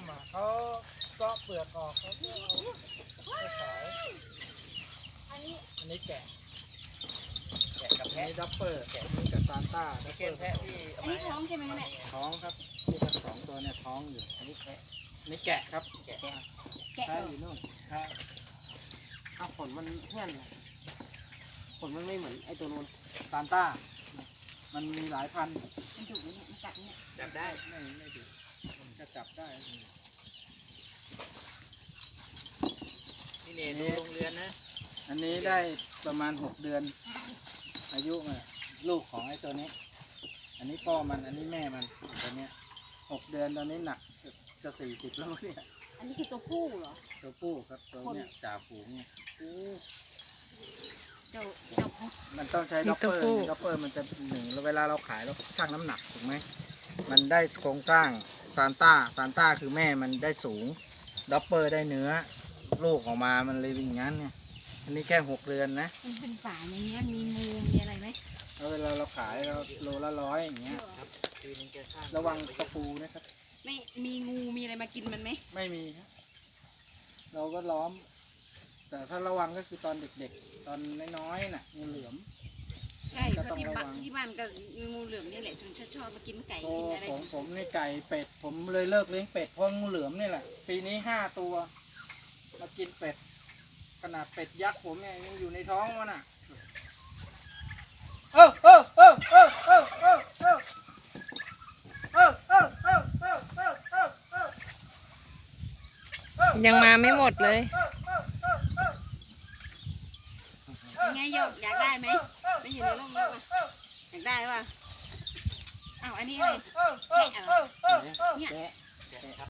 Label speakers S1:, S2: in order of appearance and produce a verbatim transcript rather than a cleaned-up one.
S1: อ่ะเขาเกาะเปลือกออกเขาก็เอาไปขายอันนี้อันนี้แกะแกะกับแพะดับเปอร์แกะนี่กับซานต้าดับเปอร์แพะที่
S2: อันนี้ท้องใช่ไหมเนี่ย
S1: ท้องครับที่ทั้งสองตัวเนี่ยท้องอยู่อันนี้แพะนี่แกะครับแกะ
S2: แกะ
S1: แพะอยู่นู่นใช่
S3: เอาขนมันเพื่อนขนมันไม่เหมือนไอ้ตัวนู้น
S1: ซานต้ามันมีหลายพันธุ์
S2: มันดุเนี่ยมันกัดเนี่ย
S1: จับได้ไม่ไม่ดุมันจะจับได้นี่เนี่ยดูโรงเรือนนะอันนี้ได้ประมาณหกเดือนอายุมันลูกของไอ้ตัวนี้ อันนี้พ่อมันอันนี้แม่มันตัวเนี้ยหกเดือนตอนนี้หนักจะสี่สิบแล้วเนี่ย
S2: อันนี้คือตัวผู้เหรอ
S1: ตัวผู้ครับตัวเนี้ยจ่าฝูงเนี่ย
S2: เจ้าเจ้าผู้
S1: มันต้องใช้ด็อปเปอร์ด็อปเปอร์มันจะหนึ่งเวลาเราขายเราชั่งน้ำหนักถูกไหมมันได้โครงสร้างซานต้าซานต้าคือแม่มันได้สูงด็อปเปอร์ได้เนื้อลูกออกมามันเลยเป็นอย่างนั้นเนี่ยอันนี้แค่หกเดือนนะ
S2: มันเป็นฝาอย่างเงี้ยมีงูมีอะไรไหม
S1: แล้วเวลาเราขายเราโลละร้อยอย่างเงี้ยระวังตะปูนะครับ
S2: ไม่มีงูมีอะไรมากินมันไหม
S1: ไม่มีครับเราก็ล้อม แต่ถ้าระวังก็คือตอนเด็กๆ ตอนน้อยๆน่ะงูเหลือม
S2: ใช่เพ
S1: ก็
S2: ราะ
S1: ต้อง
S2: ที่
S1: ระวั
S2: บ้าน
S1: ง
S2: ที่บ้านก็มีงูเหลือมนี่แหละถึงชอบชอบมากินไก่
S1: โอ้
S2: กินอะไร
S1: ผมผมนี่ไก่เป็ดผมเลยเลิกเลี้ยงเป็ดเพราะงูเหลือมนี่แหละปีนี้ห้าตัวมากินเป็ดขนาดเป็ดยักษ์ผมเนี่ยยังอยู่ในท้องมันอ่ะเออเออเออเออเออเออเออเออเออเออเออเออเออเออ
S4: ยังมาไม่หมดเลย
S2: ยังไงโยกอยากได้ไหมไม่อยู่ในร่มแล้วอยากได้ป่ะอ้าวอันนี้อะไรแกะเหรอเนี่ย
S3: แกะ